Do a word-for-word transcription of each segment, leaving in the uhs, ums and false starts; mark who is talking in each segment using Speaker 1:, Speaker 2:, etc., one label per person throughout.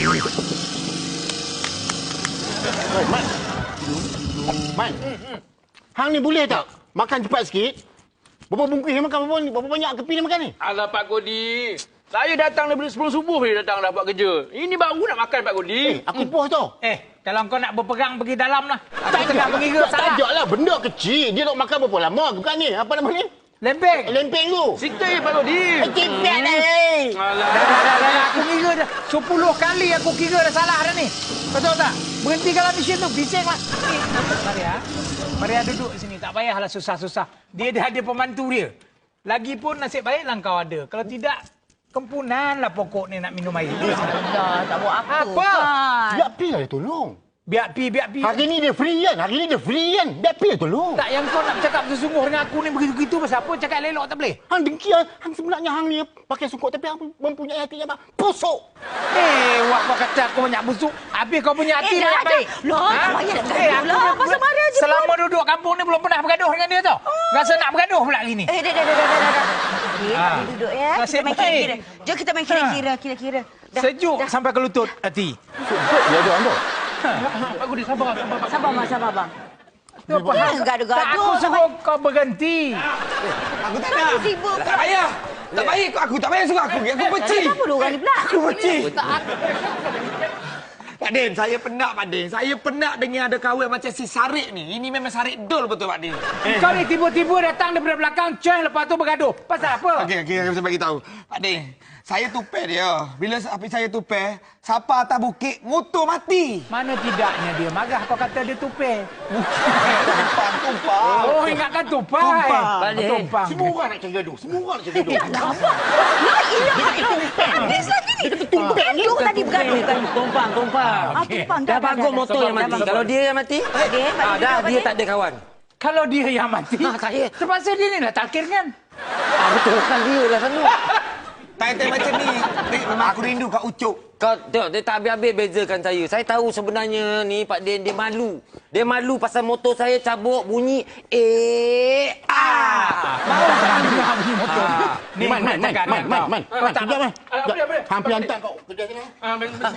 Speaker 1: Man. Man. Hang ni boleh tak? Makan cepat sikit. Berapa bungkus yang makan? Berapa, berapa banyak kepi ni makan ni?
Speaker 2: Alah, Pak Kodi. Saya datang daripada sebelum subuh dia datang dah buat kerja. Ini baru nak makan, Pak Kodi.
Speaker 1: Eh, aku puas tau.
Speaker 3: Eh, kalau kau nak berperang pergi dalam lah. Aku tengah mengira salah.
Speaker 1: Tak lah, benda kecil. Dia nak makan berapa lama? Bukan ni. Apa nama ni?
Speaker 3: Lempeng.
Speaker 1: Lempeng tu.
Speaker 2: Sikit, Pak Kodi.
Speaker 1: Eh, cipet dah ni.
Speaker 2: Alah.
Speaker 3: Dah, dah, dah, dah. Aku kira dah. Sepuluh kali aku kira dah salah dah ni. Betul tak? Berhentikanlah mesin tu. Bising lah. Eh, Maria. Maria duduk sini. Tak payahlah susah-susah. Dia dah ada pembantu dia. Lagipun nasib baiklah kau ada. Kalau tidak, kempunanlah pokok ni nak minum air.
Speaker 4: Dah, tak buat apa,
Speaker 3: Apa?
Speaker 4: kan?
Speaker 1: Biar Pi lah dia tolong.
Speaker 3: Biar pi, biar pi.
Speaker 1: Hari ni dia free kan? Hari ni dia free kan? Biar Pi lah tolong.
Speaker 3: Tak, yang kau nak bercakap bersungguh dengan aku ni begitu-begitu pasal apa? Cakap elok tak boleh?
Speaker 1: Hang dengki hang, hang sebenarnya hang ni pakai sungkuk tapi hang mempunyai hati yang busuk.
Speaker 3: Eh, wak kau kata aku banyak busuk. Habis kau punya hati
Speaker 4: Eh, dah,
Speaker 3: banyak
Speaker 4: dah.
Speaker 3: baik.
Speaker 4: Loh, tak payah nak bergaduh
Speaker 3: aku
Speaker 4: lah.
Speaker 3: dah-
Speaker 4: Pasal Maria je
Speaker 3: Selama duduk kampung ni belum pernah bergaduh dengan dia tau. Rasa nak bergaduh pula hari ni.
Speaker 4: Eh, dah, dah, dah, dah, dah, dah. Okey,
Speaker 3: Ah.
Speaker 4: tak boleh duduk ya.
Speaker 3: Nasib
Speaker 4: Kita main
Speaker 3: baik.
Speaker 4: kira-kira. Jom kita main kira-kira, kira-kira. Dah,
Speaker 3: Sejuk
Speaker 4: dah.
Speaker 3: sampai ke lutut hati.
Speaker 1: Sungkuk dia ada anda.
Speaker 2: Pak Kodi, sabar, sabar. Pak.
Speaker 4: Sabar, Mak, sabar, bang.
Speaker 3: Tu apa hal?
Speaker 4: Jangan gaduh-gaduh.
Speaker 3: Tak, aku suruh kau berhenti.
Speaker 5: Aku tak
Speaker 4: Kenapa
Speaker 5: nak.
Speaker 4: sibuk
Speaker 5: Tak
Speaker 4: pula?
Speaker 5: payah. Tak payah. Aku tak payah suruh aku. Aku benci.
Speaker 4: Kenapa dua orang ni pula?
Speaker 5: Aku benci. Pak Din, saya penat Pak Din. Saya penat dengan ada kawan macam si Sarik ni. Ini memang Sarik dol betul Pak Din.
Speaker 3: Kau ni tiba-tiba datang daripada belakang, ceng lepas tu bergaduh. Pasal apa?
Speaker 5: Okey, okey, aku bagi tahu. Pak Din, saya tupai dia. Bila api saya tupai, siapa atas bukit, motor mati.
Speaker 3: Mana tidaknya dia marah kau kata dia tupai.
Speaker 5: Tumpang, tumpang.
Speaker 3: Oh, ingatkan tupai.
Speaker 5: Tumpang.
Speaker 3: Oh, tumpang.
Speaker 1: Semua orang nak cari gaduh. Semua orang nak cari gaduh.
Speaker 4: Nampak? La ilaha illallah. Habis lagi ni.
Speaker 1: tumpang ni.
Speaker 4: Gaduh tadi bergaduh kan?
Speaker 6: Tumpang, tumpang.
Speaker 4: Ah, tumpang.
Speaker 6: Dah bagus motor yang mati. Kalau dia yang mati,
Speaker 4: Pak Din, Pak
Speaker 6: ah,
Speaker 4: Din,
Speaker 6: dah
Speaker 4: Pak
Speaker 6: dia
Speaker 4: Din.
Speaker 6: tak ada kawan.
Speaker 3: Kalau dia yang mati,
Speaker 6: Ah, saya.
Speaker 3: terpaksa dia ni lah takir kan?
Speaker 6: Ah, betul kan dia lah Sanu.
Speaker 5: Tai-tai macam ni, Din, memang aku rindu Kak Ucok.
Speaker 6: Kau tengok, dia tak habis-habis bezakan saya. Saya tahu sebenarnya ni Pak Din, dia malu. Dia malu pasal motor saya cabuk bunyi eh ah.
Speaker 3: Mau tak dengar bunyi motor?
Speaker 6: Ah.
Speaker 3: Ni
Speaker 1: Man, man, man,
Speaker 3: cakap
Speaker 1: man,
Speaker 3: dengan
Speaker 1: man,
Speaker 3: kau.
Speaker 1: man.
Speaker 3: Kau tak
Speaker 1: Sekejap, man.
Speaker 2: Apa dia, apa dia?
Speaker 1: Hampir hantar kau kerja sini.
Speaker 2: Ah, ben- ben-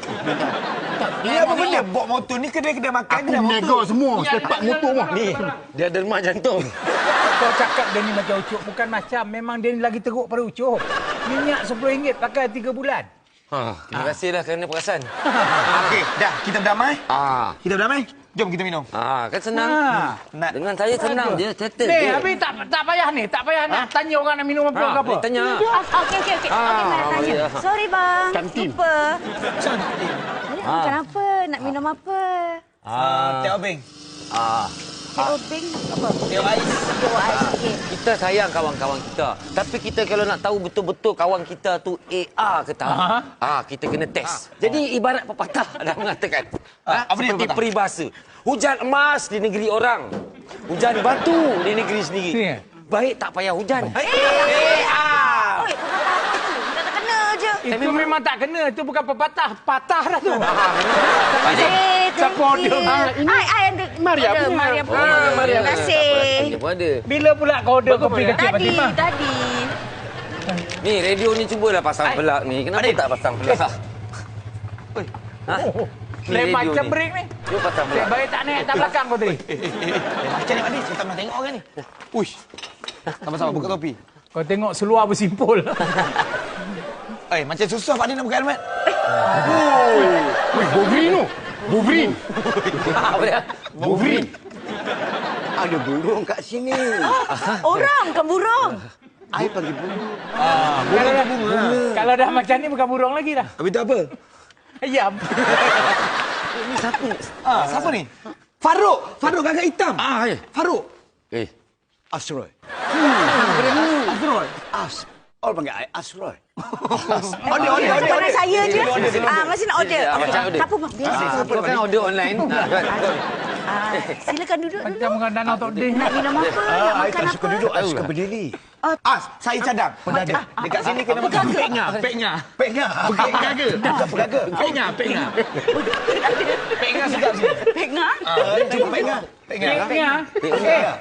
Speaker 5: Ni apa benda? Bawa motor ni kedai-kedai makan,
Speaker 1: Aku
Speaker 5: kedai motor.
Speaker 1: nego semua. Sepak motor mah.
Speaker 6: Ni, dia ada remah jantung.
Speaker 3: Kau cakap dia ni macam Ucup. Bukan macam. Memang dia ni lagi teruk pada Ucup. Minyak sepuluh ringgit pakai tiga bulan.
Speaker 6: Ha, terima kasihlah kerana perasan.
Speaker 5: Okey, dah. Kita berdamai?
Speaker 6: Ah.
Speaker 5: Kita berdamai? Jom kita minum.
Speaker 6: Ah, kan senang.
Speaker 3: Ha.
Speaker 5: Nak.
Speaker 6: Dengan saya senang je, settle
Speaker 3: Ni,
Speaker 6: je.
Speaker 3: habis tak tak payah ni. Tak payah nak tanya orang nak minum apa
Speaker 6: Ha,
Speaker 3: ke apa.
Speaker 6: boleh tanya.
Speaker 4: Ah, Okey, okey, okey.
Speaker 6: Ah,
Speaker 4: Okey, Maria tanya.
Speaker 6: Maria.
Speaker 4: Sorry, bang.
Speaker 1: Kantin.
Speaker 4: Lupa. Maria
Speaker 6: Ah.
Speaker 4: makan apa? Nak minum apa?
Speaker 5: Ah, Teh Obeng.
Speaker 6: Ah,
Speaker 4: Teh Obeng apa?
Speaker 5: Teh Ais.
Speaker 4: Teh ais. Okey.
Speaker 6: kita sayang kawan-kawan kita. Tapi kita kalau nak tahu betul-betul kawan kita tu A A ke tak,
Speaker 3: Aha.
Speaker 6: ah, kita kena test. Jadi ibarat pepatah dah mengatakan,
Speaker 5: Ah,
Speaker 6: ah,
Speaker 5: apa dia
Speaker 6: seperti
Speaker 5: pepatah?
Speaker 6: peribahasa. Hujan emas di negeri orang, hujan batu di negeri sendiri.
Speaker 3: Ya.
Speaker 6: Baik tak payah hujan.
Speaker 5: Eh,
Speaker 6: A A.
Speaker 4: Oi, pepatah apa tu? Kita tak kena je.
Speaker 3: Itu memang tak kena. Itu bukan pepatah. Patah dah tu.
Speaker 4: Eh,
Speaker 3: Siapa
Speaker 4: thank
Speaker 3: order?
Speaker 4: you.
Speaker 3: Ah,
Speaker 1: ini
Speaker 4: Ai, ai ada.
Speaker 1: Maria
Speaker 4: ada,
Speaker 1: punya.
Speaker 4: Maria
Speaker 6: Oh,
Speaker 4: punya.
Speaker 6: Maria.
Speaker 4: Terima kasih.
Speaker 6: Dia pun ada.
Speaker 3: Bila pula kau order kopi kecil
Speaker 4: Tadi,
Speaker 3: Fatimah?
Speaker 4: tadi.
Speaker 6: Ni radio ni cubalah pasang pelak ni. Kenapa tak pasang pelak? Ha?
Speaker 3: Oh,
Speaker 6: Ni
Speaker 3: lain
Speaker 6: radio
Speaker 3: macam
Speaker 6: ni.
Speaker 3: break ni.
Speaker 6: Jom pasang
Speaker 3: Baik,
Speaker 6: pelak.
Speaker 3: baik tak naik tak belakang kau tadi.
Speaker 5: macam ni Pak Din. Saya tak pernah tengok orang ni. Uish. Sama-sama buka topi.
Speaker 3: Kau tengok seluar bersimpul.
Speaker 5: Eh, macam susah Pak Din nak buka helmet.
Speaker 1: Wih, Wolverine tu. Wolverine.
Speaker 6: Apa dia?
Speaker 1: Wolverine.
Speaker 7: Ada burung kat sini.
Speaker 4: Orang, bukan burung.
Speaker 7: I panggil burung.
Speaker 3: Kalau dah, kalau dah macam ni bukan burung lagi dah.
Speaker 5: Habis tu apa?
Speaker 3: Ayam.
Speaker 6: Ni siapa?
Speaker 5: Ah, siapa ni? Faruk. Faruk gagak hitam.
Speaker 6: Ah, ya.
Speaker 5: Faruk.
Speaker 6: Eh,
Speaker 7: Asroy.
Speaker 5: Azroy.
Speaker 7: As. Orang panggil I Asroy.
Speaker 5: Order, order, order.
Speaker 4: Jangan saya je. Ah, masih nak order.
Speaker 6: Ya, macam order.
Speaker 4: Siapa bang? Biasa.
Speaker 6: kau kan order online. Ah, kan?
Speaker 4: Ah, silakan duduk dulu.
Speaker 3: Macam dengan danau tak ada.
Speaker 4: Nak minum apa? Nak
Speaker 7: I
Speaker 4: makan
Speaker 7: tak suka
Speaker 4: apa?
Speaker 7: duduk, I suka berdiri.
Speaker 5: Ah, saya cadang. Penada. Dekat sini kena makan.
Speaker 2: Peknya, peknya.
Speaker 5: Peknya.
Speaker 2: Peknya ke?
Speaker 5: Bukan pegaga.
Speaker 2: Peknya, peknya.
Speaker 5: Peknya sedap sini.
Speaker 4: Peknya?
Speaker 5: Ah, cuba peknya. Peknya.
Speaker 3: Peknya.
Speaker 5: Peknya.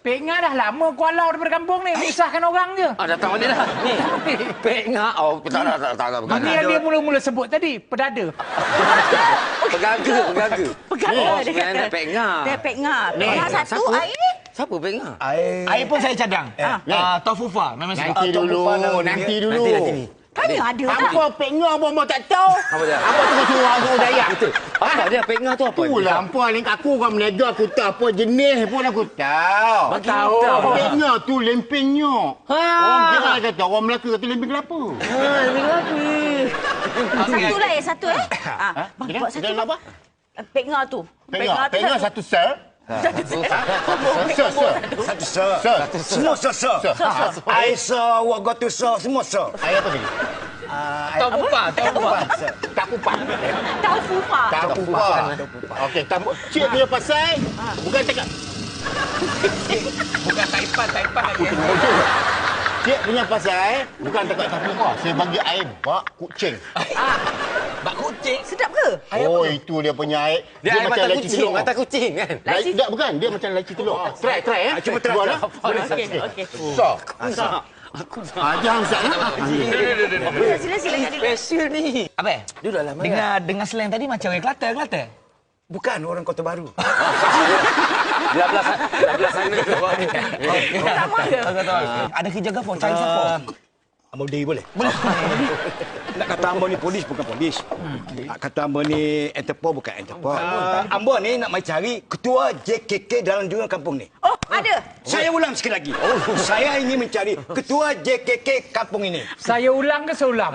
Speaker 3: Pek Ngah dah lama kualau daripada kampung ni. Menyusahkan orang je.
Speaker 6: Ah, datang balik dah. Ni. Pek Ngah. Oh, tak tak tak tak. tak,
Speaker 3: Ini yang dia mula-mula sebut tadi. Perdada.
Speaker 6: Pegaga, pegaga.
Speaker 4: Pegang
Speaker 6: Oh,
Speaker 4: dia
Speaker 6: sebenarnya
Speaker 4: kata.
Speaker 6: dah Pek Ngah.
Speaker 4: Dia Pek Ngah.
Speaker 6: Ni,
Speaker 4: Yang satu
Speaker 6: siapa?
Speaker 4: air ni.
Speaker 6: Siapa Pek Ngah?
Speaker 7: Air.
Speaker 5: Air pun saya cadang.
Speaker 7: Eh.
Speaker 5: Ah, Tofufa. Memang suka.
Speaker 1: Nanti dulu, nanti dulu.
Speaker 6: Nanti nanti ni.
Speaker 4: Tanya ada tak?
Speaker 1: Hampa Pek Ngah pun mau tak tahu.
Speaker 6: Apa dia?
Speaker 1: Hampa tengah suruh orang Dayak.
Speaker 6: Betul. Apa dia Pek Ngah tu apa?
Speaker 1: Itulah hampa ni aku orang menega aku tahu apa jenis pun aku tahu.
Speaker 6: Bagi tahu.
Speaker 1: Pek Ngah tu lempeng nyok.
Speaker 6: Ha.
Speaker 1: Orang kira kata orang Melaka kata lempeng kelapa.
Speaker 6: Ha, ni lagi.
Speaker 4: Satu lah eh, satu eh. Ha, bang,
Speaker 1: Dia
Speaker 4: buat satu.
Speaker 1: dia nak apa?
Speaker 4: Pek Ngah tu.
Speaker 1: Pek Ngah, Pek Ngah satu sir. Sir, sir.
Speaker 7: Satu sir.
Speaker 1: Sir.
Speaker 7: Semua sir, sir. Air sir, what got to sir, semua sir.
Speaker 1: Air apa tadi?
Speaker 2: Tahu pupa, tahu pupa.
Speaker 1: Tak kupak.
Speaker 4: Tahu fufa.
Speaker 1: Tak kupak. Okey, tamu cik punya pasal bukan cakap
Speaker 2: Bukan Taipan, Taipan lagi.
Speaker 1: cik punya pasal bukan cakap tak kupak. Saya bagi air bak kucing.
Speaker 2: Bak kucing.
Speaker 4: Sedap ke?
Speaker 1: Oh, itu dia punya air.
Speaker 6: Dia air mata
Speaker 1: laci
Speaker 6: kucing,
Speaker 1: telur.
Speaker 6: mata kucing kan?
Speaker 1: Laci tak bukan, dia macam laci telur. Try, try eh.
Speaker 7: Cuba try.
Speaker 1: Buat lah.
Speaker 4: Okey, okey.
Speaker 1: So. Ah, jangan sat eh.
Speaker 4: Sila, sila, sila. Jadi.
Speaker 6: Special ni.
Speaker 5: Apa?
Speaker 6: Duduk dalam.
Speaker 5: Dengar dengar slang tadi macam orang Kelantan, Kelantan.
Speaker 7: Bukan orang Kota Baru.
Speaker 6: Belah belah belah sana tu.
Speaker 4: Sama ke?
Speaker 5: Ada kerja apa? Cari siapa?
Speaker 7: Ambo dia boleh? Boleh. Nak kata Ambo ni polis bukan polis. Nak kata Ambo ni Interpol bukan Interpol. Ambo ni nak mai cari ketua J K K dalam jungle kampung ni.
Speaker 4: Oh, ada.
Speaker 7: Saya ulang sekali lagi. Saya ingin mencari ketua J K K kampung ini.
Speaker 3: Saya ulang ke seulang?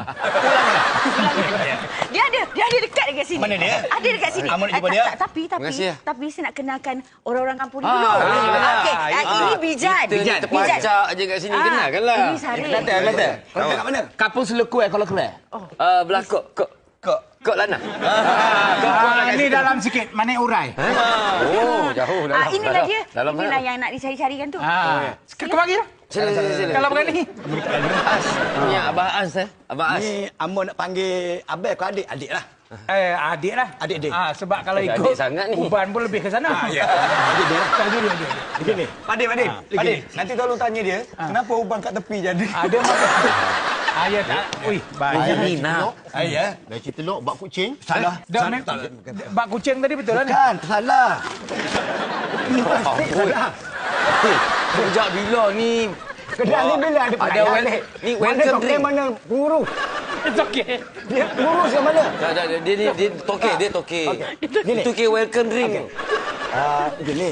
Speaker 4: Dia ada, dia ada dekat dekat sini.
Speaker 7: Mana dia?
Speaker 4: Ada dekat sini.
Speaker 7: Ah, mana jumpa
Speaker 4: tak,
Speaker 7: dia?
Speaker 4: tak, tapi tapi
Speaker 6: Terima kasih, ya.
Speaker 4: tapi saya nak kenalkan orang-orang kampung ni
Speaker 6: Ah,
Speaker 4: dulu.
Speaker 6: boleh, boleh.
Speaker 4: Okey, ah, ini Bijan.
Speaker 6: Kita ni terpacak je kat sini. Kenal kan lah.
Speaker 4: Ini Sarif.
Speaker 5: Kelantan, Kelantan.
Speaker 7: Kau kat mana?
Speaker 5: Kapul Selekut eh kalau keluar.
Speaker 6: Uh, belah kok, kok,
Speaker 5: Kok.
Speaker 6: kok Lana.
Speaker 3: Ah, ini dalam sikit. Mana urai?
Speaker 6: Oh, jauh dalam.
Speaker 4: Ah, inilah
Speaker 6: dalam,
Speaker 4: dia.
Speaker 6: Dalam
Speaker 4: Inilah yang nak dicari-carikan tu.
Speaker 3: Ah, kau bagi lah.
Speaker 6: Sila, sila, sila.
Speaker 3: Kalau begini.
Speaker 6: As. Punya Abah As eh. Abah As.
Speaker 7: Ni Ambo nak panggil abang ke adik? Adik lah.
Speaker 3: Eh, adik lah.
Speaker 7: Adik-adik.
Speaker 3: Ah, sebab kalau
Speaker 6: Adik
Speaker 3: ikut
Speaker 6: sangat ni.
Speaker 3: Uban pun lebih ke sana.
Speaker 7: Ya. Adik dia lah.
Speaker 3: Tak dulu dia.
Speaker 7: Begini.
Speaker 5: Padin, Padin. Padin, nanti tolong tanya dia, kenapa ubang kat tepi jadi?
Speaker 3: Ada masa. Ah, ya tak. Ui, baik.
Speaker 6: Air ni nak.
Speaker 7: Air ya?
Speaker 1: Laci telur bak kucing.
Speaker 7: Salah.
Speaker 3: Dah, mem- bak kucing tadi betul lah ni?
Speaker 7: Kan, salah. Ini pasti
Speaker 6: Oi.
Speaker 7: salah.
Speaker 6: Sejak bila ni?
Speaker 7: Kedai ni bila ada
Speaker 6: Ada
Speaker 7: pelayan
Speaker 6: wel-
Speaker 7: balik?
Speaker 6: ni
Speaker 7: Mana
Speaker 6: welcome
Speaker 7: doktor,
Speaker 6: drink.
Speaker 7: mana pengurus?
Speaker 3: It's okay.
Speaker 7: Dia pengurus ke mana?
Speaker 6: Dah, dah, dah, dia ni dia toke, dia toke.
Speaker 7: Gini.
Speaker 6: Itu ke welcome drink.
Speaker 7: Ah, gini.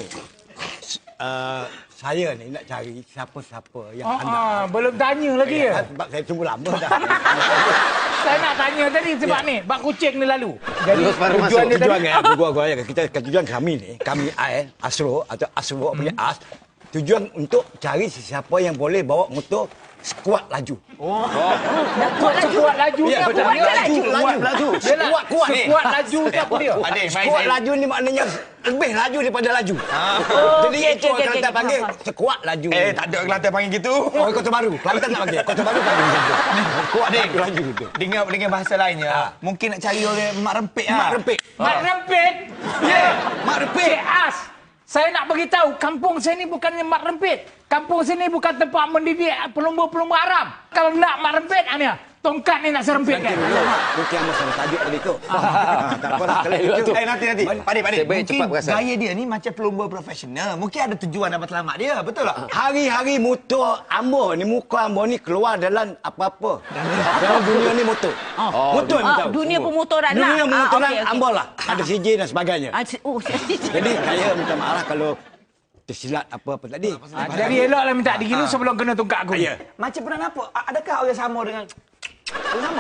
Speaker 7: Ah, saya ni nak cari siapa-siapa yang
Speaker 3: Ah,
Speaker 7: anda.
Speaker 3: ah, belum tanya lagi ya.
Speaker 7: Sebab saya tunggu lama dah.
Speaker 3: Saya nak tanya tadi sebab ni, bak kucing ni lalu. Jadi
Speaker 6: Terus baru
Speaker 3: tujuan
Speaker 6: masuk.
Speaker 3: dia
Speaker 7: Tujuan
Speaker 3: tadi.
Speaker 7: kan, gua gua kita tujuan kami ni, kami A N, Asro atau Asro punya As, tujuan untuk cari sesiapa yang boleh bawa motor skuad laju.
Speaker 3: Kuat sekuat laju
Speaker 7: Ya,
Speaker 3: siapa
Speaker 7: betul.
Speaker 3: dia?
Speaker 7: Laju, laju, laju.
Speaker 3: Yelah,
Speaker 7: Kuat, kuat.
Speaker 3: Sekuat laju siapa dia?
Speaker 5: Padin, main
Speaker 7: Skuad
Speaker 5: saya.
Speaker 7: laju ni maknanya lebih laju daripada laju.
Speaker 4: Oh,
Speaker 7: Jadi
Speaker 4: okey,
Speaker 7: itu
Speaker 4: okey,
Speaker 7: orang
Speaker 4: okey,
Speaker 7: Kelantan
Speaker 4: okey,
Speaker 7: panggil
Speaker 4: faham,
Speaker 7: sekuat laju.
Speaker 5: Eh, tak ada Kelantan panggil gitu.
Speaker 7: Oh, Kota Baru. Kelantan tak panggil. Kota Baru panggil macam tu. Kuat
Speaker 5: Padin,
Speaker 7: laju tu.
Speaker 5: dengan dengan bahasa lainnya, mungkin nak cari orang mak rempit ah.
Speaker 7: Mak rempit.
Speaker 3: Mak rempit.
Speaker 7: Ya, mak rempit.
Speaker 3: Cik As. Saya nak beritahu, kampung saya ni bukannya mak rempit. Kampung sini bukan tempat mendidik pelumba-pelumba Arab. Kalau nak mak rempit, ni tongkat ni nak serempitkan.
Speaker 7: Mungkin yang masalah tajuk tadi tu. Ah, tak apa lah. Kalau itu.
Speaker 5: Eh, nanti nanti. Padin, Padin.
Speaker 6: Saya baik
Speaker 5: Mungkin
Speaker 6: cepat perasan.
Speaker 5: gaya dia ni macam pelumba profesional. Mungkin ada tujuan nak bertelamat dia, betul tak?
Speaker 7: Hari-hari motor Ambo ni, muka Ambo ni keluar dalam apa-apa. Dalam dunia ni motor. Motor ni
Speaker 4: Ah,
Speaker 7: tahu.
Speaker 4: dunia pemotoran lah.
Speaker 7: Dunia pemotoran
Speaker 4: Ah, okey, okey.
Speaker 7: Ambo lah. Ada C J dan sebagainya.
Speaker 4: Ah, si- oh,
Speaker 7: Jadi saya minta maaf kalau tersilat apa-apa tadi.
Speaker 3: Ah, Jadi eloklah minta digilu sebelum kena tongkat aku.
Speaker 7: Ya.
Speaker 5: Macam pernah nampak, a- adakah orang sama dengan... Orang sama?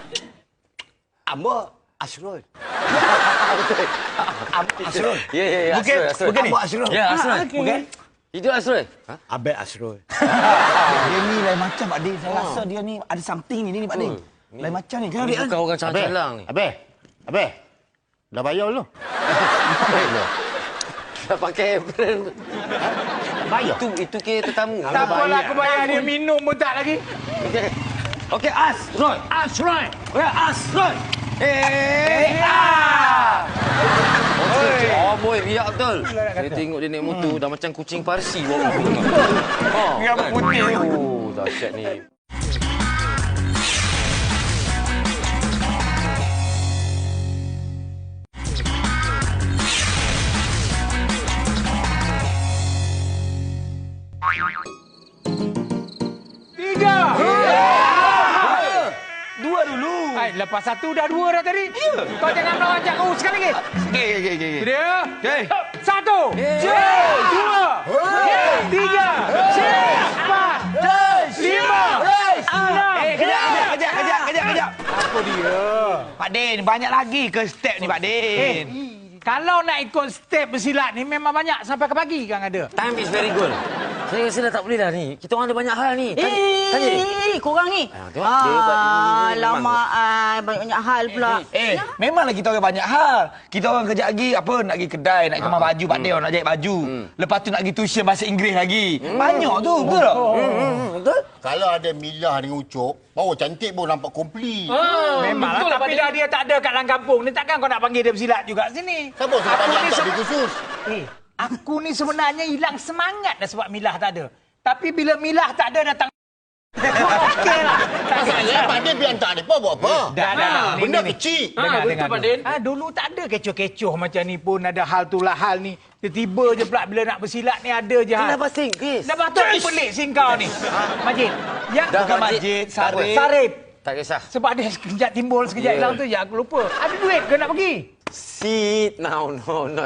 Speaker 7: Ambo Asrul. Am- Asrul.
Speaker 6: Ya, ya, ya.
Speaker 5: Bukan,
Speaker 6: Asrul, Asrul.
Speaker 5: bukan ni?
Speaker 7: Ambo Asrul.
Speaker 6: Ya, Asrul.
Speaker 4: okey.
Speaker 6: Bukan? Itu Asrul. Ha?
Speaker 7: Abang Asrul.
Speaker 5: Dia ni lain macam Pak Din. Saya rasa dia ni ada something ni, ni Pak Din. Lain macam ni. Kenapa dia?
Speaker 6: Bukan orang calang-calang ni.
Speaker 1: Abe. Abe. Dah bayar belum?
Speaker 6: Dah pakai apron.
Speaker 1: Bayar.
Speaker 6: Itu itu ke tetamu.
Speaker 3: Tak apalah aku bayar dia minum pun tak lagi.
Speaker 6: Okey. Okey, As, Roy.
Speaker 3: As right.
Speaker 6: Okey, As, Roy. Eh, ah. Oh, boy, biar betul. Saya tengok dia naik motor dah macam kucing Parsi bawa. Ha.
Speaker 5: Biar putih.
Speaker 6: Oh, dahsyat ni.
Speaker 3: Tiga.
Speaker 5: Dua dulu.
Speaker 3: Hai, lepas satu dah dua dah tadi. Kau jangan melawan Cak Kau sekali lagi.
Speaker 5: Okey, okey, okey.
Speaker 3: Dia.
Speaker 5: Okey.
Speaker 3: Satu. Dua. Tiga. Empat. Lima. Enam.
Speaker 5: Eh, kejap, kejap, kejap, kejap, kejap, kejap.
Speaker 3: Apa dia?
Speaker 5: Pak Din, banyak lagi ke step ni, Pak Din?
Speaker 3: Kalau nak ikut step bersilat ni memang banyak sampai ke pagi kan ada.
Speaker 6: Time is very good. Saya rasa dah tak boleh dah ni. Kita orang ada banyak hal ni. Tanya, tanya dia.
Speaker 4: Eh, korang ni.
Speaker 6: Ah, tengok, dia buat ini,
Speaker 4: Ah,
Speaker 6: ini,
Speaker 4: lama
Speaker 6: memang.
Speaker 4: ah, banyak hal pula.
Speaker 5: Eh, memanglah kita orang banyak hal. Kita orang kejap lagi apa nak pergi kedai, nak kemas baju, Pak Din orang nak jahit baju. Lepas tu nak pergi tuition bahasa Inggeris lagi. Banyak tu, betul tak?
Speaker 6: Hmm, betul?
Speaker 1: Kalau ada Milah dengan Ucok, baru cantik pun nampak komplit.
Speaker 3: Memang lah, tapi dah dia tak ada kat dalam kampung ni takkan kau nak panggil dia bersilat juga sini.
Speaker 1: Siapa suruh
Speaker 3: Aku
Speaker 1: panggil
Speaker 3: ni
Speaker 1: angkat
Speaker 3: se-
Speaker 1: dia khusus?
Speaker 3: Eh, aku ni sebenarnya hilang semangat dah sebab Milah tak ada. Tapi bila Milah tak ada datang okey lah.
Speaker 1: Saya Pak Din biar tak ada apa buat apa.
Speaker 3: Dah, dah, dah. Ni,
Speaker 1: Benda
Speaker 3: ni, ni.
Speaker 1: kecil.
Speaker 2: Ah,
Speaker 3: Dengar,
Speaker 2: betul,
Speaker 3: dengar
Speaker 2: Pak
Speaker 3: dulu.
Speaker 2: Din.
Speaker 3: Ah, dulu tak ada kecoh-kecoh macam ni pun ada hal tu lah hal ni. Tiba-tiba je pula bila nak bersilat ni ada je hal.
Speaker 6: Kenapa sing, Chris?
Speaker 3: Dah patut ni pelik singkau ni. Majid. Yang
Speaker 6: Dah,
Speaker 3: bukan
Speaker 6: Majid.
Speaker 3: Majid,
Speaker 6: Tak apa.
Speaker 3: Sarip. Sarip.
Speaker 6: Tak kisah.
Speaker 3: Sebab dia sekejap timbul, sekejap
Speaker 6: Ya.
Speaker 3: hilang tu ya aku lupa. Ada duit ke nak pergi?
Speaker 6: Sit now, no, not.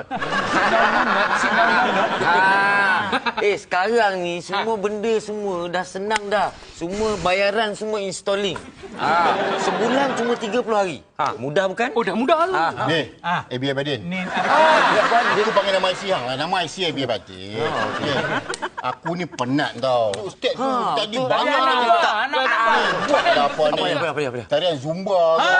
Speaker 6: Ah, eh, sekarang ni semua benda semua dah senang dah. Semua bayaran semua installing. Ah, sebulan cuma tiga puluh hari. Ha, mudah bukan?
Speaker 2: Oh, dah mudah lah.
Speaker 6: Ah,
Speaker 1: Ni,
Speaker 3: Ah.
Speaker 1: eh biar Pak Din.
Speaker 3: Ni
Speaker 1: Aku panggil nama I C hang lah. Nama I C I biar Pak Din. Okey. Aku ni penat tau. Ustaz tu tadi
Speaker 6: betul.
Speaker 1: banyak
Speaker 3: anak
Speaker 1: lagi.
Speaker 3: buah, anak buah.
Speaker 1: Buat dah apa ni?
Speaker 6: Apa dia, apa dia, apa dia, apa dia?
Speaker 1: Tarian Zumba.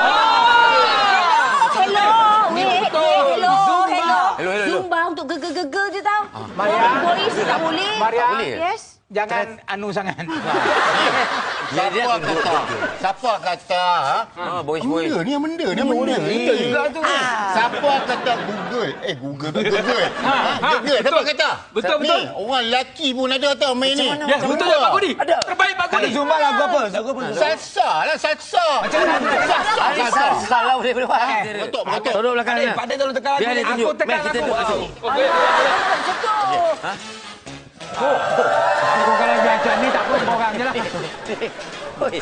Speaker 4: Hello. Weh, eh, hello. Hello.
Speaker 6: Hello, hello, hello.
Speaker 4: Zumba untuk gegel-gegel je tau.
Speaker 3: Maria.
Speaker 4: Boys tak boleh.
Speaker 3: Maria.
Speaker 6: Tak boleh.
Speaker 4: Yes.
Speaker 3: Jangan anu sangat.
Speaker 6: Dia- dia
Speaker 1: Siapa
Speaker 6: duduk,
Speaker 1: kata?
Speaker 6: duduk.
Speaker 1: Siapa kata? ha?
Speaker 6: Ah, boys, boys.
Speaker 1: Benda ni yang benda ni yang benda. Kita juga tu. Siapa kata Google? Eh Google tu Google. Ha, Google. Siapa kata?
Speaker 2: Betul,
Speaker 1: Ni,
Speaker 2: betul.
Speaker 1: orang lelaki pun ada tau main ni.
Speaker 2: Ya, betul tak Pak Kodi?
Speaker 6: Ada.
Speaker 2: Terbaik Pak Kodi.
Speaker 5: Zumba lagu apa? Lagu apa?
Speaker 1: Salsa lah salsa. Macam mana? Salsa.
Speaker 6: Hari
Speaker 1: Salsa.
Speaker 6: salah boleh boleh buat.
Speaker 1: Betul betul.
Speaker 6: Tolong belakang
Speaker 5: Pak Din,
Speaker 6: dia.
Speaker 5: Pak Din tolong tekan lagu
Speaker 6: Biar
Speaker 5: ni.
Speaker 6: dia tunjuk.
Speaker 3: Aku tekan
Speaker 6: Mek, kita
Speaker 3: aku.
Speaker 6: duduk situ.
Speaker 2: Okey.
Speaker 3: Aku kalau macam ni tak apa orang je lah.
Speaker 6: Oi.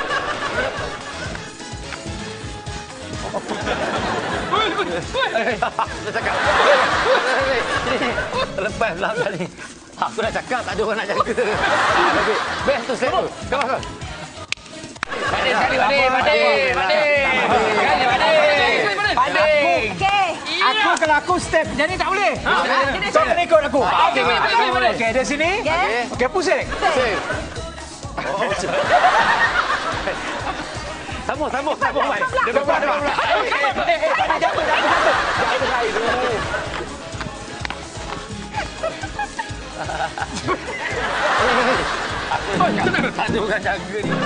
Speaker 6: Dah cakap. Lepas belakang ni. Aku dah cakap tak ada orang nak jaga. Ah, okey. Best tu set tu. Come on, come on.
Speaker 2: Pak Din, sekali Pak Din. Pak Din. Pak Din. Sekali Pak Din. Pak Din.
Speaker 4: Okey.
Speaker 3: Aku kalau aku step macam ni tak boleh.
Speaker 4: Dia
Speaker 3: Kau kena ikut aku.
Speaker 2: Okey, boleh, boleh, boleh.
Speaker 3: Okey, dari sini.
Speaker 4: Yes.
Speaker 3: Okey, pusing.
Speaker 6: Save. Oh, Sambung, sambung, sambung. Baik. Depan, depan, depan.
Speaker 3: Eh, eh, pada jatuh, jatuh, jatuh.
Speaker 6: Tak ada orang jaga ni.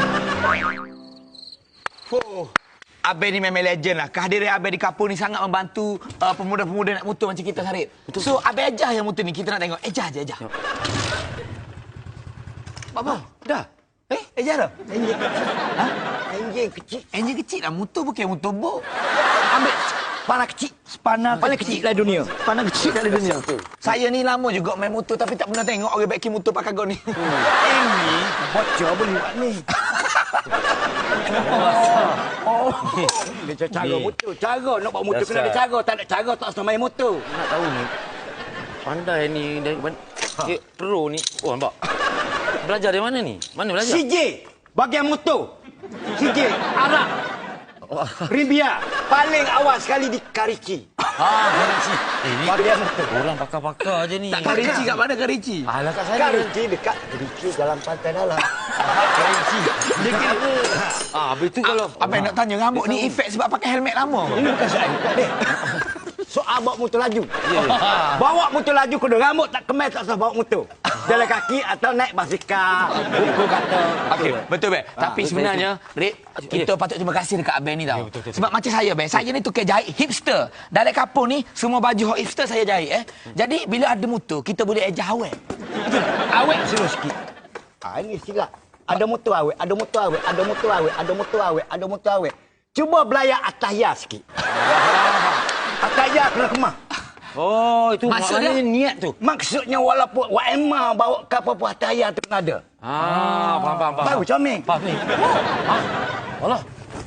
Speaker 5: Oh. Abang ni memang legend lah. Kehadiran Abang di kampung ni sangat membantu uh, pemuda-pemuda nak motor macam kita, Sarip. So, Abang ejah yang motor ni. Kita nak tengok. Ejah je, ejah. Apa?
Speaker 6: Dah.
Speaker 5: Eh, ejah dah? Enjin kecil. Ha? Enjin kecil. Enjin kecil lah. Motor bukan motor bok. Ambil panah kecil. Panah paling kecil dalam dunia. Panah kecil dalam dunia. Saya ni lama juga main motor tapi tak pernah tengok orang baikin motor pakai gon ni. Ini bocor boleh buat ni.
Speaker 7: Oh. Dia cara motor. Cara nak bawa motor kena ada cara. Tak ada cara tak usah main motor.
Speaker 6: Nak tahu ni. Pandai ni dari ban- eh, pro ni. Oh, nampak. Belajar dari mana ni? Mana belajar?
Speaker 7: C J. Bagian motor. C J. Arab. Rimbia. Paling awal sekali di Karici.
Speaker 6: Ah, Karici. Eh, ni bagian motor. Orang pakar-pakar je ni.
Speaker 5: Karici kat mana Karici?
Speaker 6: Alah kat sana.
Speaker 7: Karici dekat Karici dalam pantai dalam.
Speaker 6: Karici. Dia kira. Ah, habis tu kalau
Speaker 5: Abang nak tanya rambut ni efek sebab pakai helmet lama.
Speaker 7: Ini bukan saya. Dek. soal bawa motor laju. Bawa motor laju kena rambut tak kemas tak usah bawa motor. Jalan kaki atau naik basikal. Buku kata.
Speaker 5: Okey, betul be. Tapi sebenarnya, Rik, kita patut terima kasih dekat Abang ni tau. Sebab macam saya be, saya ni tukar jahit hipster. Dalam kampung ni semua baju hot hipster saya jahit eh. Jadi bila ada motor, kita boleh ejah awet. Betul tak? Awet suruh sikit.
Speaker 7: Ah, ini silap. Ada motor awet, ada motor awet, ada motor awet, ada motor awet, ada motor awet. Cuba belayak atahya sikit. Atahya kena kemah.
Speaker 6: Oh, itu
Speaker 5: Maksudnya?
Speaker 6: maknanya niat tu.
Speaker 7: Maksudnya walaupun Wak Emma bawa ke apa-apa atahya tu kena ada.
Speaker 6: Ah, faham, faham, faham.
Speaker 7: Baru comel.
Speaker 6: Faham ni. Ah, Allah.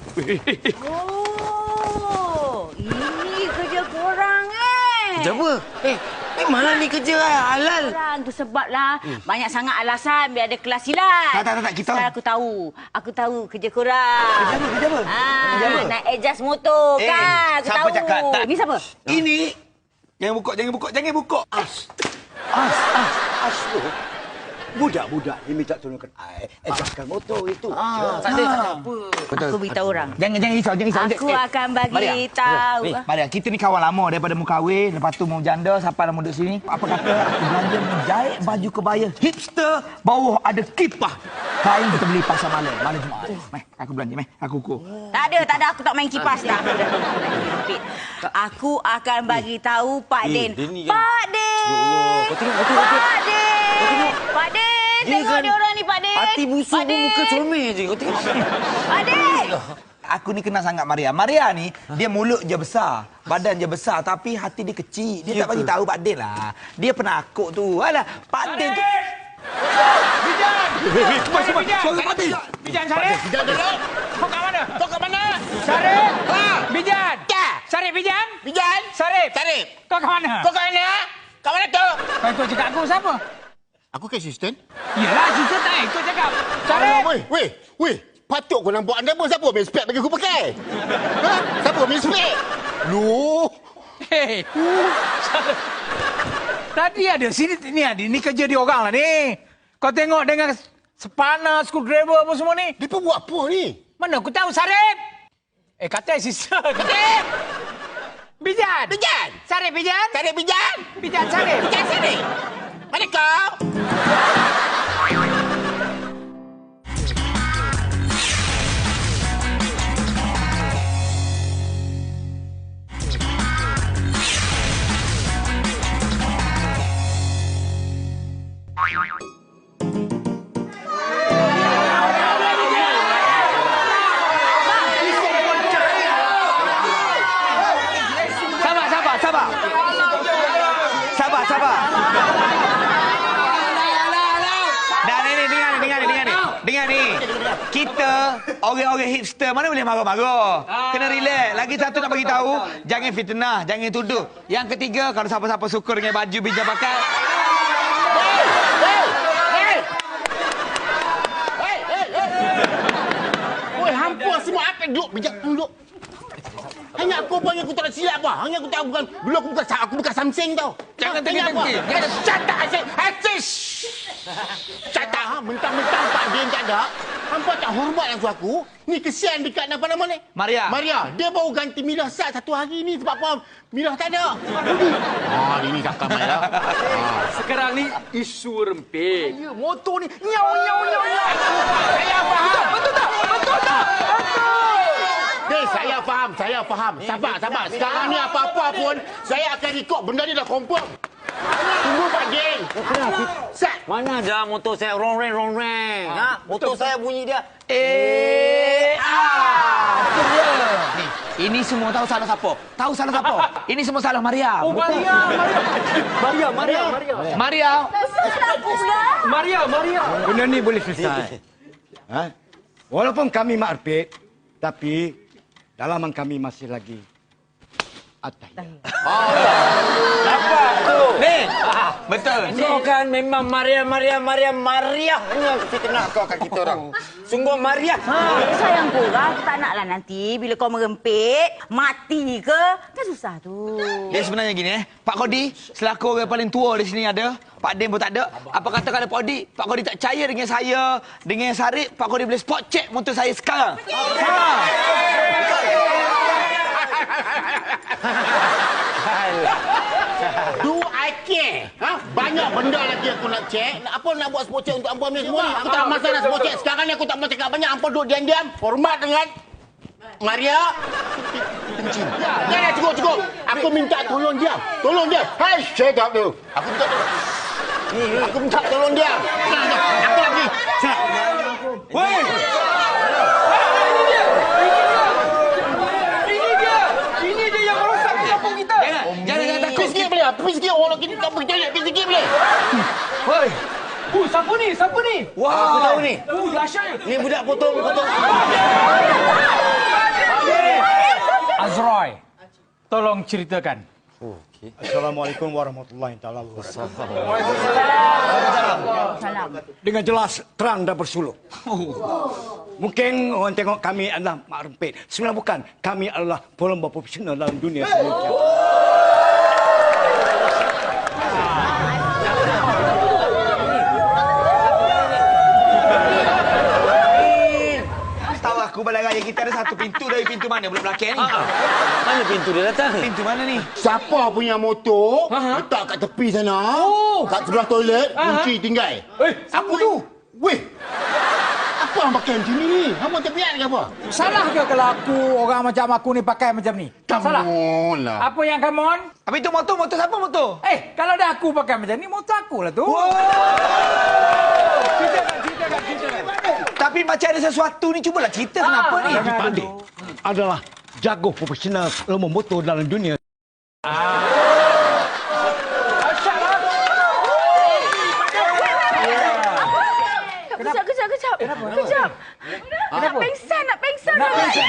Speaker 4: Oh, ini kerja korang eh.
Speaker 6: Kerja apa? Eh, memanglah ni kerja halal.
Speaker 4: Korang tu sebablah hmm. banyak sangat alasan biar ada kelas silat.
Speaker 5: Tak, tak, tak, tak, kita-
Speaker 4: Sekarang aku tahu. Aku tahu kerja korang.
Speaker 5: Kerja apa? Kerja apa?
Speaker 4: Ah,
Speaker 5: Kerja apa?
Speaker 4: nak adjust motor
Speaker 5: Eh,
Speaker 4: kan. Aku
Speaker 5: siapa
Speaker 4: tahu.
Speaker 5: cakap? Tak.
Speaker 4: Ni siapa?
Speaker 5: Ini jangan buka, jangan buka, jangan buka.
Speaker 7: As. As, as, as tu. Budak-budak ni minta tolongkan I. Adjustkan motor itu.
Speaker 6: Ah, tak ada, tak ada apa.
Speaker 4: Aku beritahu orang.
Speaker 5: Jangan jangan risau, jangan risau.
Speaker 4: Aku
Speaker 5: Eh,
Speaker 4: akan bagi
Speaker 5: Maria.
Speaker 4: tahu.
Speaker 5: Eh, Maria, kita ni kawan lama daripada mu kahwin, lepas tu mu janda, sampai dah mu duduk sini. Apa kata aku belanja menjahit baju kebaya hipster, bawah ada kipah. Kain kita beli pasar malam, malam Jumaat. Meh, aku belanja, meh, aku ukur.
Speaker 4: Tak ada, tak ada. Aku tak main kipas dah. Aku akan bagi tahu Pak
Speaker 6: Eh,
Speaker 4: Din.
Speaker 6: dia ni kan-
Speaker 4: Pak Din.
Speaker 6: Ya Allah, kau tengok, kau tengok, kau
Speaker 4: Pak Din.
Speaker 6: tengok.
Speaker 4: Pak Din.
Speaker 6: Dia
Speaker 4: Tengok
Speaker 6: kan
Speaker 4: dia orang ni, Pak Din.
Speaker 6: Hati busuk
Speaker 4: Pak
Speaker 6: pun
Speaker 4: Din.
Speaker 6: muka comel je. Kau tengok.
Speaker 4: Pak Din.
Speaker 5: Aku ni kenal sangat Maria. Maria ni, dia mulut je besar, badan je besar, tapi hati dia kecil. Dia tak bagi tahu Pak Din lah. Dia penakut tu. Alah, Pak Din tu.
Speaker 3: Bijan!
Speaker 5: Cepat, cepat.
Speaker 3: Bijan!
Speaker 5: Suara Pak Din.
Speaker 3: Bijan, Syarif!
Speaker 1: Tidak ada.
Speaker 3: Kau kat mana?
Speaker 1: Kau kat mana?
Speaker 3: Syarif!
Speaker 1: Ha?
Speaker 3: Bijan!
Speaker 1: Ya.
Speaker 3: Syarif, Bijan!
Speaker 1: Bijan.
Speaker 3: Syarif!
Speaker 1: Syarif.
Speaker 3: Kau kat mana?
Speaker 1: Kau kat mana? Kat mana tu?
Speaker 3: Kau ikut cakap aku siapa?
Speaker 1: Aku ke assistant.
Speaker 3: Yelah, sister tak ikut cakap.
Speaker 1: Alah,
Speaker 3: Syarif!
Speaker 1: weh, weh, weh. Patut kau nampak anda pun siapa main spek bagi aku pakai? Ha? Siapa main spek? Lu.
Speaker 3: Hei! Syarif. Tadi ada sini ni ada ni kerja dia orang lah ni. Kau tengok dengan spana, screwdriver apa semua ni.
Speaker 1: Dia pun buat apa ni?
Speaker 3: Mana aku tahu Syarif? Eh kata sister. Syarif! Bijan!
Speaker 1: Bijan.
Speaker 3: Syarif Bijan!
Speaker 1: Syarif Bijan.
Speaker 3: Bijan Syarif!
Speaker 1: Bijan sini. Mana kau?
Speaker 5: Sabar, sabar, sabar. Sabar, sabar. Dan ini, dengar ni, dengar ni, dengar ni. Dengar ni. Kita, orang-orang hipster, mana boleh marah-marah. Kena relax. Lagi satu nak bagi tahu, jangan fitnah, jangan tuduh. Yang ketiga, kalau siapa-siapa suka dengan baju bijak pakai,
Speaker 1: Oi, hampur semua apa duduk bijak duduk. Hanya aku pun yang aku tak nak silap apa. Hanya aku tak bukan dulu aku bukan aku bukan Samsung tau.
Speaker 3: Jangan
Speaker 1: Ha, hanya
Speaker 3: tengok-tengok.
Speaker 1: apa? Jangan shut up Asyik. Asyik. Shut up ha. Mentang-mentang Pak Din tak ada. Hampa tak hormat langsung aku. Ni kesian dekat apa nama ni?
Speaker 5: Maria.
Speaker 1: Maria. Dia baru ganti milah sat satu hari ni sebab apa? Milah tak ada. Budi. Ah, ini tak kamai lah.
Speaker 2: Sekarang ni isu rempit.
Speaker 1: Ya, motor ni nyau nyau nyau nyau.
Speaker 3: Saya faham. Betul tak? Betul tak?
Speaker 1: Hey, saya faham, saya faham. Sabar, sabar. Sekarang ni apa-apa pun, saya akan ikut. Benda ni dah confirm. Tunggu Pak Din. Sat.
Speaker 6: Mana ada motor saya rongreng rongreng. Ha? Motor saya bunyi dia.
Speaker 5: Eh, ah, itu dia. Ni, ini semua tahu salah siapa? Tahu salah siapa? Ini semua salah Maria.
Speaker 3: Oh, Maria, Maria.
Speaker 2: Maria, Maria, Maria.
Speaker 5: Maria.
Speaker 4: Salah pula.
Speaker 2: Maria, Maria.
Speaker 7: Benda ni boleh selesai. Ha? Walaupun kami makrpit, tapi dalaman kami masih lagi atas.
Speaker 6: Apa tu?
Speaker 5: Ni, betul.
Speaker 6: Kau kan memang Maria, Maria, Maria, Maria. Hanya fitnah kau kat kita orang. Sungguh Maria.
Speaker 4: Ha, sayang korang, aku tak naklah nanti bila kau merempit, mati ke? Kan susah tu.
Speaker 5: Dia sebenarnya gini eh. Pak Kodi, selaku orang paling tua di sini ada. Pak Din pun tak ada. Apa kata kalau Pak Kodi, Pak Kodi tak percaya dengan saya, dengan Sarip, Pak Kodi boleh spot check motor saya sekarang. Ha.
Speaker 1: Do I care? Ha? Banyak benda lagi aku nak cek. Nak apa nak buat spot check untuk Ambo ni semua ni? Aku tak masa nak spot check. Sekarang ni aku tak mau cakap banyak. Ambo duduk diam-diam. Hormat dengan Maria. Kencing. Ya, ya, cukup, cukup. Aku minta tolong dia. Tolong dia. Hai, shut up tu. Aku minta tolong. Aku minta tolong dia. Aku lagi.
Speaker 7: Woi!
Speaker 6: Jangan jangan takut.
Speaker 1: Pergi sikit boleh? Pergi sikit. Orang kita tak pergi toilet. Pergi sikit boleh?
Speaker 7: Woi!
Speaker 3: Uh, siapa ni? Siapa ni?
Speaker 6: Wah, aku tahu ni.
Speaker 3: Uh, dahsyat.
Speaker 6: Ni budak potong potong.
Speaker 3: Azroy, tolong ceritakan.
Speaker 7: Assalamualaikum warahmatullahi taala wabarakatuh.
Speaker 4: Salam.
Speaker 7: Dengan jelas, terang dan bersuluk. Mungkin orang tengok kami adalah mak rempit. Sebenarnya bukan. Kami adalah pelomba profesional dalam dunia semuanya.
Speaker 5: Tahu aku balai raya kita ada satu pintu dari pintu mana belum belakang ni.
Speaker 6: Mana pintu dia datang?
Speaker 5: Pintu mana ni?
Speaker 1: Siapa punya motor letak kat tepi sana, kat sebelah toilet, kunci tinggal.
Speaker 3: Eh, siapa tu?
Speaker 1: Weh, apa yang pakai macam ni ni? Kamu terpiat ke apa?
Speaker 3: Salah ke kalau aku, orang macam aku ni pakai macam ni?
Speaker 1: Come
Speaker 3: Salah.
Speaker 1: on lah.
Speaker 3: Apa yang come on?
Speaker 5: Habis tu motor, motor siapa motor?
Speaker 3: Eh, kalau dah aku pakai macam ni, motor aku lah tu. Ceritakan, ceritakan, ceritakan.
Speaker 5: Tapi macam ada sesuatu ni, cubalah cerita kenapa ni?
Speaker 3: jangan
Speaker 7: Pak
Speaker 3: dulu.
Speaker 7: Dik adalah jago profesional lomba motor dalam dunia.
Speaker 4: Kejap, kejap, kejap. Kejap. Nak pengsan, nak pengsan.
Speaker 3: Nak pengsan.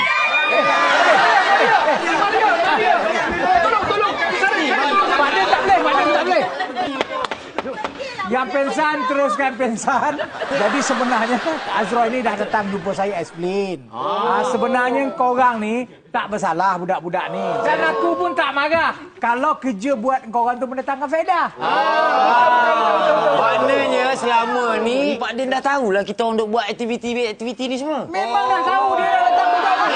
Speaker 3: Tolong, tolong. Pak Din tak boleh, Pak Din tak boleh. Yang pensan, teruskan pensan. Jadi sebenarnya Azroy ni dah datang jumpa saya explain. Ah. Sebenarnya korang ni tak bersalah budak-budak ni. Dan aku pun tak marah kalau kerja buat korang tu mendatangkan faedah.
Speaker 6: Ah. Maknanya selama ni Pak Din dah tahulah kita orang duk buat aktiviti-aktiviti ni semua.
Speaker 3: Memang dah tahu dia dah datang budak ni.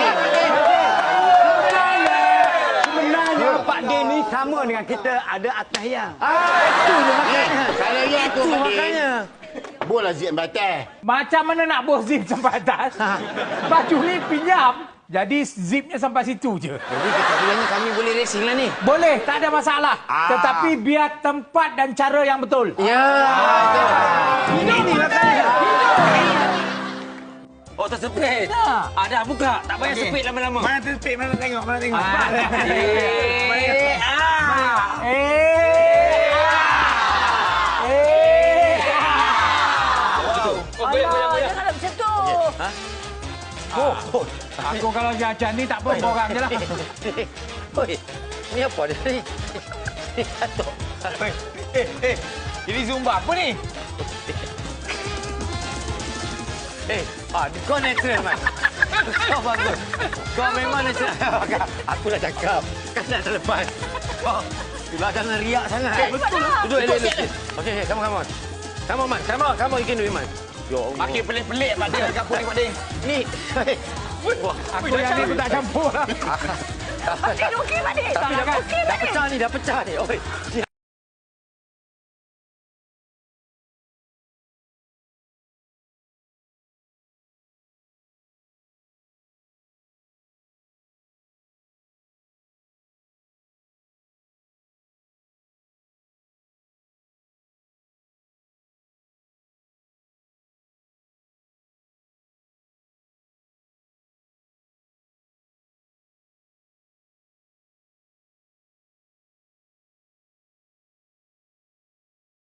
Speaker 7: Sebenarnya Pak Din ni sama dengan kita ada atas yang.
Speaker 1: Itu je makanya. Kalau ya aku
Speaker 6: Itu
Speaker 1: Pak Din,
Speaker 6: makanya.
Speaker 1: bola zip batas.
Speaker 3: Macam mana nak bawa zip sampai atas? Baju ni pinjam. Jadi zipnya sampai situ je.
Speaker 6: Jadi kesimpulannya kami boleh racing lah ni.
Speaker 3: Boleh, tak ada masalah.
Speaker 1: Ah.
Speaker 3: Tetapi biar tempat dan cara yang betul.
Speaker 6: Ya.
Speaker 3: Ini ni makanya.
Speaker 6: Oh, tersepit.
Speaker 3: Ya.
Speaker 6: Ah, dah buka. Tak payah sepit lama-lama.
Speaker 5: Mana terpik, mana tengok, mana tengok.
Speaker 6: Eh, ah.
Speaker 3: Eh. Eh.
Speaker 4: Alah, janganlah macam tu.
Speaker 3: Oh, aku kalau jajan ni tak apa, borang je lah.
Speaker 6: Oi, ni apa dia ni? Ni katok.
Speaker 5: Eh, eh. Ini Zumba apa ni?
Speaker 6: Eh, ah, kau natural, Man. Kau bagus. Kau memang natural. Aku dah cakap. Kan dah terlepas. Kau, itulah jangan riak sangat.
Speaker 4: Betul.
Speaker 6: Duduk elok-elok. Okey, okey, come on, come on. Come on, Man. Come on, come on, you can do it, Man. Ya Allah.
Speaker 5: Makin pelik-pelik Pak Din. Dekat apa ni Pak Din?
Speaker 6: Ni. Wah,
Speaker 3: Aku yang ni aku tak campur lah.
Speaker 4: Pak Din, okey, Pak Din.
Speaker 6: tapi dah,
Speaker 4: Okey,
Speaker 6: dah
Speaker 4: Pak Din.
Speaker 6: pecah ni, dah pecah ni. Oi, ni